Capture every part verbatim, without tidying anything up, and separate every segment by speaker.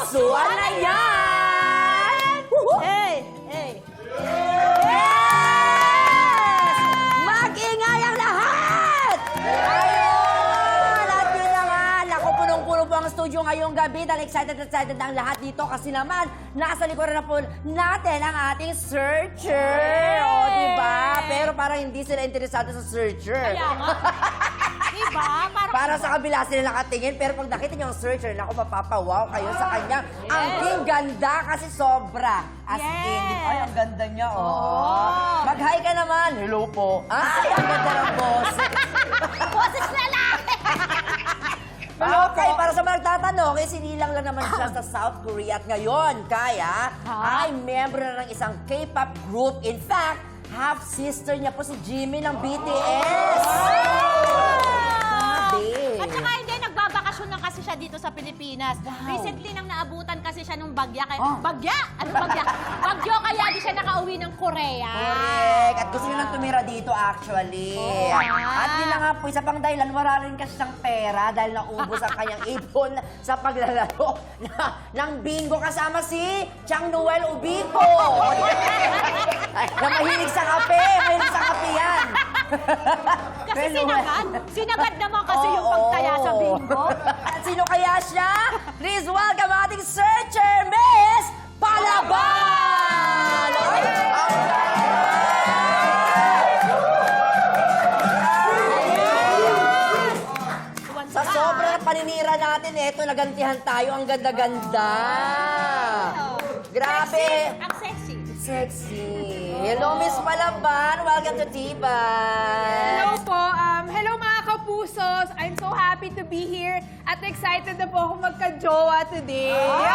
Speaker 1: Pusuan na yan!
Speaker 2: Hey! Hey!
Speaker 1: Yes! Mag-ingay ang lahat! Ayun! At yun na nga, naku, punong-puno po ang studio ngayong gabi dahil excited na excited na ang lahat dito kasi naman, nasa likuran na po natin ang ating searcher. O, diba? Pero parang hindi sila interesado sa searcher.
Speaker 2: Kaya nga. Diba? Parang...
Speaker 1: Para sa kabila sila nakatingin, pero pag nakita niyo ang searcher, naku, mapapawaw kayo sa kanya. Ang king ganda kasi sobra. As
Speaker 2: Yes.
Speaker 1: in, ay, ang ganda niya, oh.
Speaker 2: Oo.
Speaker 1: Mag-hi ka naman. Hello po. Ay, ang ganda ng boss.
Speaker 2: Boses lalaki!
Speaker 1: Okay, para sa mga nagtatanong, eh, sinilang lang naman siya sa South Korea at ngayon, kaya
Speaker 2: Ha?
Speaker 1: ay member na ng isang K-pop group. In fact, half-sister niya po si Jimin ng B T S. Grabe.
Speaker 2: At saka hindi, nagbabakasyon lang kasi siya dito sa Pilipinas.
Speaker 1: Wow.
Speaker 2: Recently nang naabutan kasi siya nung bagya. Kaya,
Speaker 1: Oh.
Speaker 2: Bagya? Ano bagya? Bagyo kaya di siya nakauwi ng Korea.
Speaker 1: Correct. At gusto niya nang tumira dito actually.
Speaker 2: Oo nga.
Speaker 1: At yun na nga po, isa pang dahilan, wala rin kasi siyang pera dahil naubos ang kanyang ipon sa paglalaro na, ng bingo kasama si Chang Noel Ubico. Na mahilig sa kape. Mahilig sa kape yan.
Speaker 2: Kasi
Speaker 1: Pero,
Speaker 2: sinagad. Sinagad naman kasi yung
Speaker 1: oo.
Speaker 2: pagtaya sa bingo.
Speaker 1: At sino kaya siya? Please welcome ating searcher, Miss Palaban! Ay, sa sobrang paninira natin, eto, nagantihan tayo. Ang ganda-ganda. Grabe.
Speaker 2: Ang sexy.
Speaker 1: Sexy. Hello, Miss Palaban. Welcome to T-Ban.
Speaker 3: Hello po. Um, hello mga kapusos. I'm so happy to be here at excited na po ako magka-jowa today.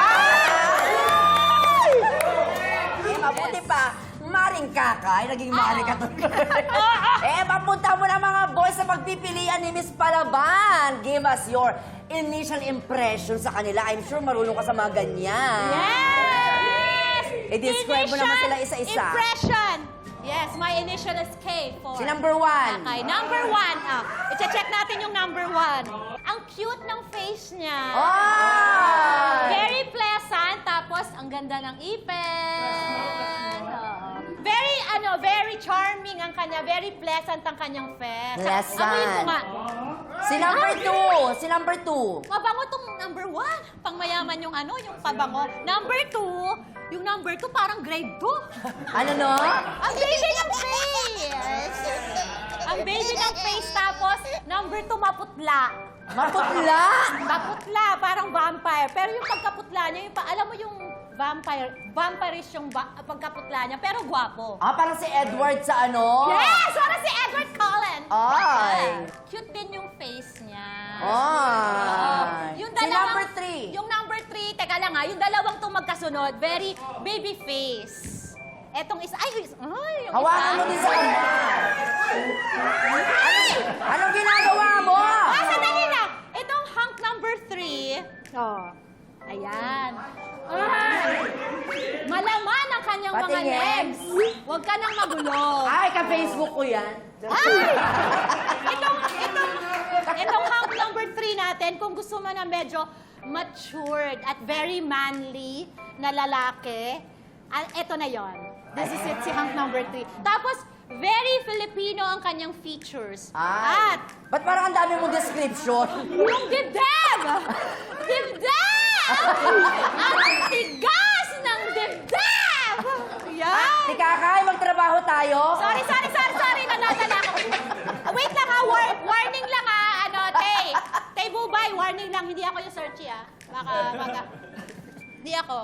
Speaker 1: Eh, mabuti pa. Maring kakay, naging maring ka to. Eh, papunta mo na mga boys sa pagpipilian ni Miss Palaban. Give us your initial impression sa kanila. I'm sure marunong ka sa mga ganyan.
Speaker 2: Yes!
Speaker 1: I-describe mo naman sila
Speaker 2: Initial
Speaker 1: isa-isa.
Speaker 2: Impression. Yes, my initial is K for...
Speaker 1: Si number one.
Speaker 2: Okay, number one. Ah, i-check natin yung number one. Ang cute ng face niya.
Speaker 1: Oh!
Speaker 2: Very pleasant, tapos ang ganda ng ipin. Oo. Very, ano, very charming ang kanya. Very pleasant ang kanyang face.
Speaker 1: Pleasant.
Speaker 2: Amoyin ko nga.
Speaker 1: Si number two. Si number two.
Speaker 2: Mabango tong number one. Pangmayaman yung ano, yung pabango. Number two, yung number two parang grade two.
Speaker 1: Ano no?
Speaker 2: Ang baby ng face! Ang baby ng face, tapos number two, maputla.
Speaker 1: Maputla.
Speaker 2: Maputla, parang vampire. Pero yung pagkaputla niya, yung, pa- alam mo yung vampire, vampirish yung ba- pagkaputla niya, pero gwapo.
Speaker 1: Ah, parang si Edward sa ano?
Speaker 2: Yes! Parang si Edward Cullen.
Speaker 1: Ay.
Speaker 2: Cute din yung face niya.
Speaker 1: Ay.
Speaker 2: Yung
Speaker 1: Si
Speaker 2: dalawang-
Speaker 1: number three.
Speaker 2: Yung number three, teka lang ha, yung dalawang itong magkasunod, very baby face. Etong isa, ay, is- ay, yung
Speaker 1: Hawakan
Speaker 2: isa.
Speaker 1: mo din sa kanya. Anong ginagawa mo?
Speaker 2: Ah, sandali lang. Itong hunk number three,
Speaker 3: Oh.
Speaker 2: ayan. Ay, malaman ang kanyang mga
Speaker 1: Patingin.
Speaker 2: legs. Huwag ka nang magulo.
Speaker 1: Ay, ka-Facebook ko yan.
Speaker 2: Ay! Itong, itong, itong hunk number three natin, kung gusto mo na medyo matured at very manly na lalaki, ah, ito na yon. This is it, si hunk number three. Tapos, very Filipino ang kanyang features.
Speaker 1: Ay.
Speaker 2: At
Speaker 1: Ba't parang ang dami mong description?
Speaker 2: yung dibdib! Dibdib! Ang tigas ng dibdib! Yan!
Speaker 1: Si Kakay, magtrabaho tayo.
Speaker 2: Sorry, sorry, sorry, sorry. Nanadala ako. Ah, Wait lang ha. War- warning lang ha. Ano, Tay. Tay Bubay, warning lang. Hindi ako yung searchy ha. Baka, baka. Hindi ako.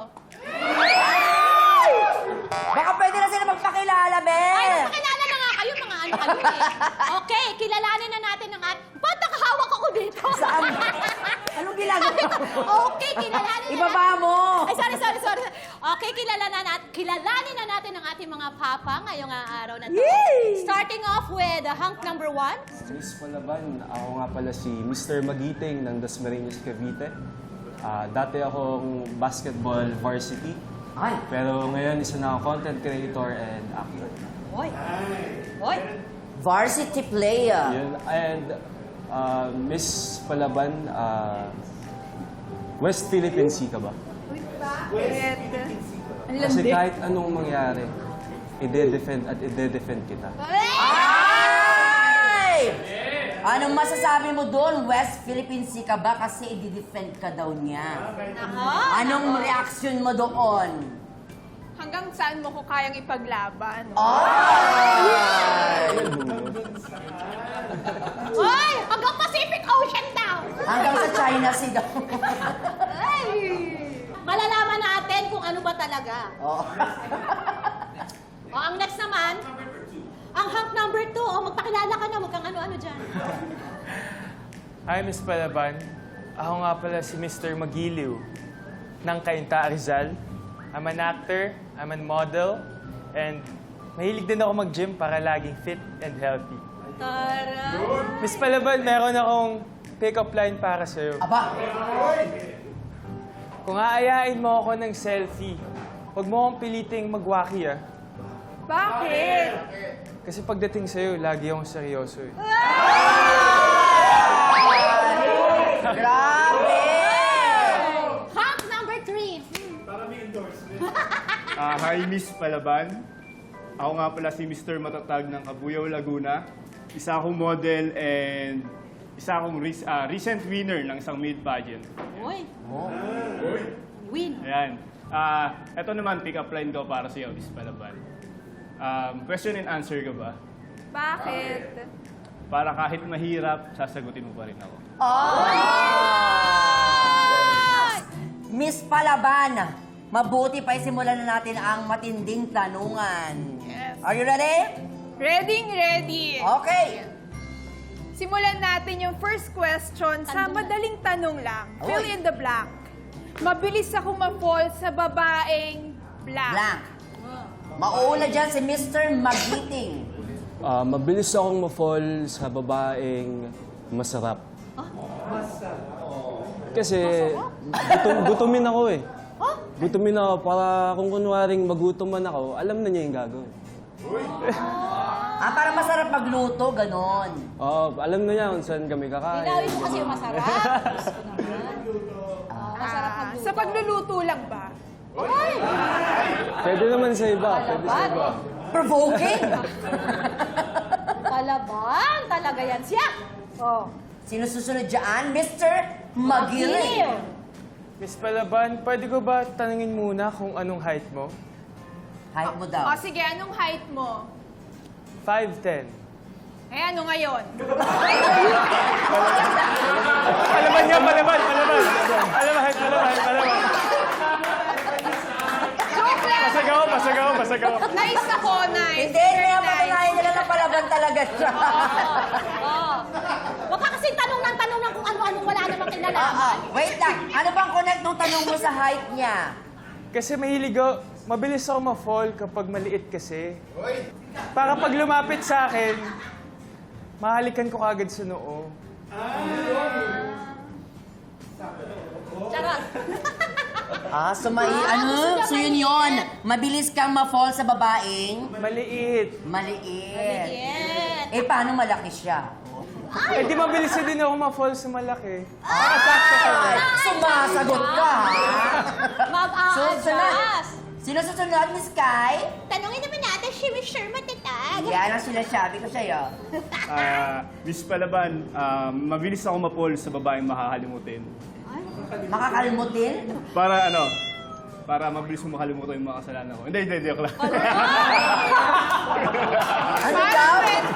Speaker 1: Baka pwede na sila magpakilala,
Speaker 2: Ay,
Speaker 1: Bel.
Speaker 2: magpakilala na nga kayo. Mga ano kayo eh. Okay, kilalanin na natin ang at... Ba't nakahawak ako dito?
Speaker 1: Saan? Anong ginagawa mo?
Speaker 2: Okay, kilalanin na
Speaker 1: Ibaba
Speaker 2: natin.
Speaker 1: mo.
Speaker 2: Ay, sorry, sorry, sorry. Okay, kilalanin na, kilalanin na natin ang ating mga papa ngayong araw na to.
Speaker 1: Yay!
Speaker 2: Starting off with uh, hunk number one.
Speaker 4: Miss Palaban, ako nga pala si Mister Magiting ng Dasmariñas, Cavite. Ah, dati akong basketball varsity,
Speaker 1: Ay.
Speaker 4: pero ngayon isa na akong content creator and actor.
Speaker 2: Hoy. Hoy.
Speaker 1: Varsity player.
Speaker 4: Yun. And ah, Miss Palaban, ah, West Philippine Sea ka ba?
Speaker 3: Bakit? Ang
Speaker 4: Kasi
Speaker 3: landi.
Speaker 4: kahit anong mangyari, ide-defend at ide-defend kita.
Speaker 1: Ay! Anong masasabi mo doon? West Philippine Sea ka ba? Kasi i-defend ka daw niya. Anong reaction mo doon?
Speaker 3: Hanggang saan mo ko kayang ipaglaban?
Speaker 1: Ay!
Speaker 2: Hoy! Hanggang Pacific Ocean daw!
Speaker 1: Hanggang sa China Sea daw.
Speaker 2: Ay! Malalaman natin kung ano ba talaga.
Speaker 1: Oh.
Speaker 2: O, ang next naman, ang hunk number two. O, magpakilala ka na, huwag kang ano-ano dyan.
Speaker 5: Hi, Miss Palaban. Ako nga pala si Mister Magiliw ng Cainta Rizal. I'm an actor, I'm a model, and mahilig din ako mag-gym para laging fit and healthy.
Speaker 2: Tara!
Speaker 5: Miss Palaban, meron akong pick-up line para sa'yo.
Speaker 1: Aba,
Speaker 5: Kung aayain mo ako ng selfie, huwag mo akong piliting magwaki ah.
Speaker 3: Bakit?
Speaker 5: Kasi pagdating sa'yo, lagi akong seryoso eh.
Speaker 1: grabe!
Speaker 2: Hunk number three.
Speaker 6: Ah, hi, Miss Palaban. Ako nga pala si Mister Matatag ng Cabuyao, Laguna. Isa akong model and isa akong re- ah, recent winner ng isang maid pageant.
Speaker 2: Uy! Win.
Speaker 6: Ayan. Ah, ito naman, pick-up line ko para sa iyo, Miss Palaban. Um, question and answer ka ba?
Speaker 3: Bakit?
Speaker 6: Para kahit mahirap, sasagutin mo pa rin ako.
Speaker 1: Miss Palaban, mabuti pa isimulan na natin ang matinding tanungan.
Speaker 3: Yes.
Speaker 1: Are you ready?
Speaker 3: Ready, ready.
Speaker 1: Okay.
Speaker 3: Simulan natin yung first question sa madaling tanong lang. Fill
Speaker 1: Oy.
Speaker 3: in the blank. Mabilis ako ma-fall sa babaeng blank.
Speaker 1: Blank. Mauuna dyan si Mister Magiting.
Speaker 4: Ah, mabilis akong ma-fall sa babaeng masarap. Kasi gutom, gutumin ako eh. Gutumin ako para kung kunwaring magutom man ako, alam na niya yung gagawin.
Speaker 1: Ah, para masarap magluto, ganon.
Speaker 4: Oo, alam na niya kung saan kami kakain.
Speaker 2: Linawin mo kasi yung masarap. Gusto ko naman. Ah, masarap
Speaker 3: Ah,
Speaker 2: magluto.
Speaker 3: sa pagluluto lang ba?
Speaker 4: Pwede naman sa iba, pwede sa iba.
Speaker 1: Provoking.
Speaker 2: Palaban, talaga yan siya. Oh.
Speaker 1: Sino susunod dyan? Mister Magiling.
Speaker 5: Miss Palaban, pwede ko ba tanungin muna kung anong height mo?
Speaker 1: Height mo
Speaker 3: O
Speaker 1: daw.
Speaker 3: sige, anong height mo?
Speaker 5: five ten.
Speaker 3: Eh, ano ngayon?
Speaker 5: Palaban niya, palaban, palaban. Palaban, palaban, palaban.
Speaker 3: Joke lang!
Speaker 5: Pasagaw, pasagaw, pasagaw.
Speaker 3: Nice ako, nice.
Speaker 1: Hindi, kaya patunayan nila na Palaban talaga siya.
Speaker 2: Oh. Huwag ka kasi tanong ng tanong ng kung ano-anong wala namang
Speaker 1: Ah,
Speaker 2: kinalaman.
Speaker 1: ah, wait lang. Ano bang connect nung tanong mo sa height niya?
Speaker 5: Kasi mahilig ako, mabilis ako ma-fall kapag maliit kasi. Para pag lumapit sa akin, mahalikan ko kagad sa noo.
Speaker 2: Charot.
Speaker 1: Ah, so may ano? So yun yun. Mabilis kang ma-fall sa babaeng
Speaker 5: Maliit.
Speaker 1: maliit.
Speaker 2: Yes.
Speaker 1: Eh, paano malaki siya?
Speaker 5: Eh di mabilis na din ako ma-fall sa malaki.
Speaker 1: Ay, sumasagot ka, ha?
Speaker 2: Mag-a-adjust.
Speaker 1: Sino susunod, Miss Sky?
Speaker 2: Tanungin naman natin si Mister Matatag.
Speaker 1: Yan ang sinasabi ko sa'yo.
Speaker 6: Ah, Miss Palaban, um, mabilis ako ma-fall sa babaeng makakalimutin.
Speaker 1: Makakalimutin?
Speaker 6: Para ano, para mabilis mo makalimutan yung mga kasalanan ko. Hindi, hindi, hindi, joke lang.
Speaker 1: Ano daw?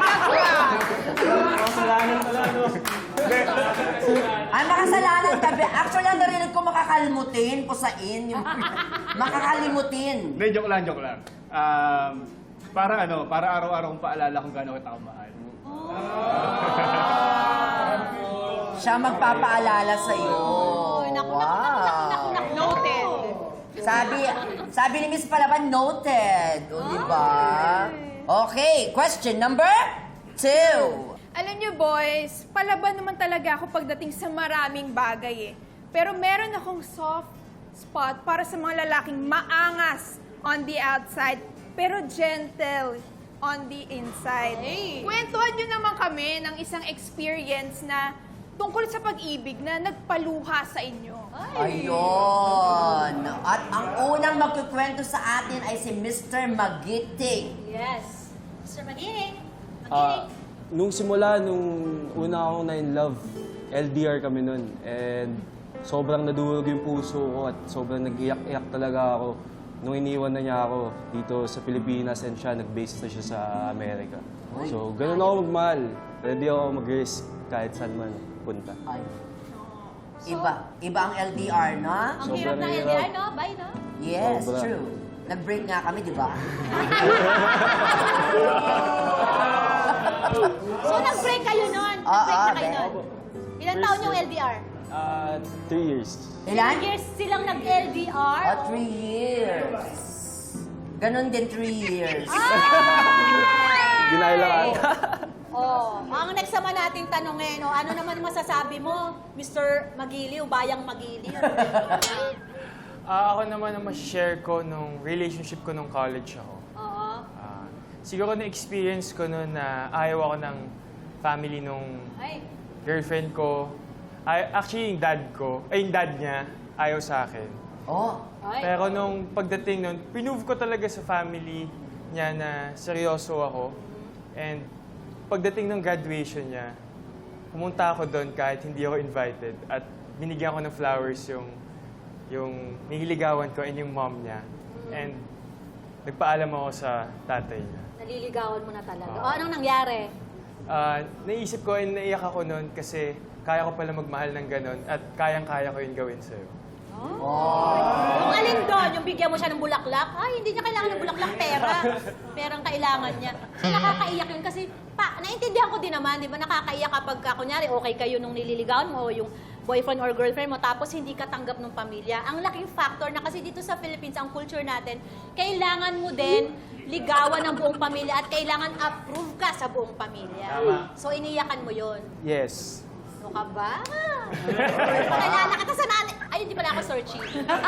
Speaker 4: Kasalanan pala, no?
Speaker 1: Ay, makasalanan ka. Be. Actually, ang narinig ko makakalimutin, pusain, yung makakalimutin.
Speaker 6: Hindi, joke lang, joke lang. Um, parang ano, para araw-araw kong paalala kung gaano kita kamahal.
Speaker 1: Siya magpapaalala sa'yo.
Speaker 2: Naku, naku, naku, naku, naku, naku.
Speaker 3: Noted.
Speaker 1: Sabi, sabi ni Miss Palaban, noted. O, di ba? Okay, question number two.
Speaker 3: Alam niyo, boys, palaban naman talaga ako pagdating sa maraming bagay eh. Pero meron akong soft spot para sa mga lalaking maangas on the outside, pero gentle on the inside.
Speaker 2: Hey.
Speaker 3: Kwentuhan niyo naman kami ng isang experience na tungkol sa pag-ibig na nagpaluha sa inyo.
Speaker 1: Ayun. At magkukwento sa atin ay si Mister Magiting.
Speaker 2: Yes. Mister Magiling.
Speaker 4: Ah,
Speaker 2: Magiling.
Speaker 4: nung simula, nung una akong na in love, L D R kami nun. And sobrang nadurog yung puso ko at sobrang nag-iyak-iyak talaga ako nung iniwan na niya ako dito sa Pilipinas and siya, nag-base na siya sa Amerika. So, ganun ako magmahal. Ready ako mag-risk kahit saan man punta.
Speaker 1: Ay. Iba. Iba ang L D R, no?
Speaker 2: Ang
Speaker 4: Sobrang
Speaker 2: hirap ng L D R,
Speaker 4: hirap.
Speaker 2: no? Bye, no?
Speaker 1: Yes,
Speaker 4: Sobra.
Speaker 1: true. Nag-break nga kami, di ba?
Speaker 2: So, nag-break kayo nun?
Speaker 1: Ah,
Speaker 2: Nag-break
Speaker 1: ah,
Speaker 2: na kayo
Speaker 1: then.
Speaker 2: nun? Ilan taon yung L D R?
Speaker 4: Ah, three years.
Speaker 1: Ilan?
Speaker 2: Years silang nag-L D R?
Speaker 1: Ah, three years. Ganon din, three years.
Speaker 4: Ginaya lang ata.
Speaker 2: Oh, ang next naman nating tanongin, no, ano naman masasabi mo, Mister Magiliw, Bayang Magiliw?
Speaker 5: Ah, ako naman ang share ko nung relationship ko nung college ako.
Speaker 2: Oo.
Speaker 5: Ah, siguro na-experience ko noon na ayaw ako ng family nung
Speaker 2: Ay,
Speaker 5: girlfriend ko. Ay, actually, yung dad ko, ay yung dad niya, ayaw sa akin.
Speaker 1: Oh,
Speaker 2: ay.
Speaker 5: Pero nung pagdating nun, pinove ko talaga sa family niya na seryoso ako. And pagdating ng graduation niya, pumunta ako doon kahit hindi ako invited. At binigyan ko ng flowers yung, yung nililigawan ko and yung mom niya. And nagpaalam ako sa tatay niya.
Speaker 2: Naliligawan mo na talaga. O, anong nangyari?
Speaker 5: Ah, naisip ko and naiyak ako noon kasi kaya ko pala magmahal ng ganon at kayang-kaya ko yung gawin sa'yo.
Speaker 2: Yung alin doon, yung bigyan mo siya ng bulaklak, ay, hindi niya kailangan ng bulaklak, pera. Perang kailangan niya. So, nakakaiyak yun kasi, pa, naintindihan ko din naman, di ba, nakakaiyak kapag, ka, kunyari, okay kayo nung nililigawan mo o yung boyfriend or girlfriend mo, tapos hindi ka tanggap ng pamilya. Ang laking factor na kasi dito sa Philippines, ang culture natin, kailangan mo din ligawan ng buong pamilya at kailangan approve ka sa buong pamilya.
Speaker 5: Tama.
Speaker 2: So, iniyakan mo yun.
Speaker 5: Yes.
Speaker 2: Ano ka ba? Pakilala kita sa nanay. Ay, hindi pala ako searching.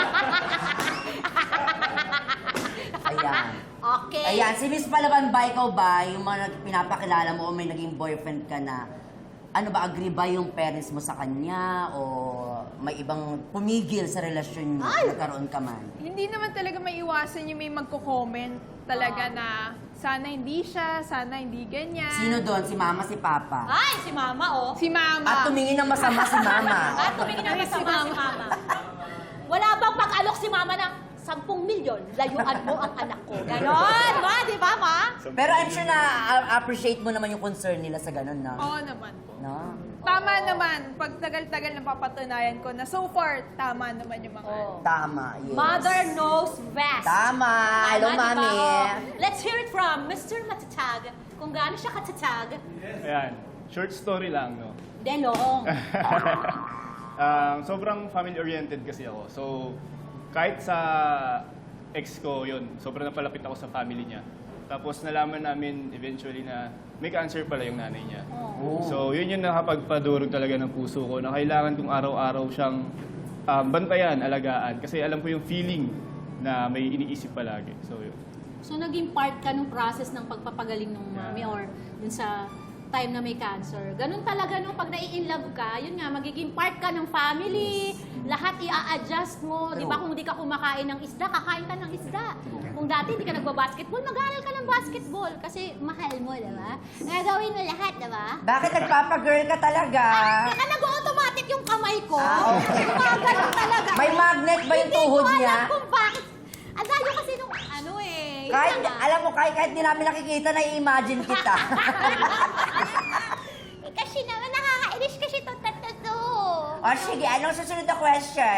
Speaker 1: ayan.
Speaker 2: Okay.
Speaker 1: Ayan, si Miss Palaban ba, ikaw ba, yung mga nag- pinapakilala mo o may naging boyfriend ka na, ano ba, agree ba yung parents mo sa kanya o may ibang pumigil sa relasyon mo, nagkaroon ka man?
Speaker 3: Hindi naman talaga may iwasan yung may magko-comment talaga na sana hindi siya, sana hindi ganyan.
Speaker 1: Sino doon? Si mama, si papa?
Speaker 2: Ay, si mama, oh.
Speaker 3: Si mama.
Speaker 1: At tumingin ng masama si mama.
Speaker 2: At tumingin ang
Speaker 3: Ay, si
Speaker 2: masama si
Speaker 3: mama.
Speaker 2: mama. Wala bang pag-alok si mama ng sampung milyon, layuan mo ang anak ko. Ganon, ma, di ba, ma?
Speaker 1: Pero I'm sure na uh, appreciate mo naman yung concern nila sa ganun, no?
Speaker 3: Oo naman po.
Speaker 1: No?
Speaker 3: Tama naman, pag tagal-tagal na papatunayan ko na so far, tama naman yung mga...
Speaker 2: Oh.
Speaker 1: Tama, yes.
Speaker 2: Mother knows best.
Speaker 1: Tama. Hello,
Speaker 2: Tama, di ba?
Speaker 1: mami.
Speaker 2: Oh. Let's hear it from Mister Matatag. Kung gaano siya katatag,
Speaker 6: Ayan, short story lang, no?
Speaker 2: then long.
Speaker 6: Um, sobrang family-oriented kasi ako. So, kahit sa ex ko yun, sobrang napalapit ako sa family niya. Tapos nalaman namin eventually na may cancer pala yung nanay niya.
Speaker 1: Oh.
Speaker 6: So, yun yung nakapagpadurog talaga ng puso ko na kailangan kong araw-araw siyang um, bantayan, alagaan. Kasi alam ko yung feeling na may iniisip palagi. So, yun.
Speaker 2: So, naging part ka ng process ng pagpapagaling ng mami or dun sa time na may cancer. Ganun talaga nung pag nai-inlove ka, yun nga, magiging part ka ng family, lahat i-a-adjust mo. Di ba kung di ka kumakain ng isda, kakain ka ng isda. Kung dati hindi ka nagbabasketball, mag-aaral ka ng basketball kasi mahal mo, di ba? Gagawin mo lahat, di ba?
Speaker 1: Bakit nagpapagirl ka talaga?
Speaker 2: Teka, nag-automatic yung kamay ko.
Speaker 1: Ah, okay.
Speaker 2: Gumagano talaga.
Speaker 1: May magnet ba yung tuhod
Speaker 2: Hindi ko
Speaker 1: niya?
Speaker 2: alam kung bakit. Ang layo kasi nung ano eh. Yun
Speaker 1: Kahit,
Speaker 2: na nga.
Speaker 1: alam mo, kahit, kahit di namin nakikita, nai-imagine kita.
Speaker 2: Eh, kasi naman nakakainis kasi to to to to.
Speaker 1: O sige, anong susunod na question?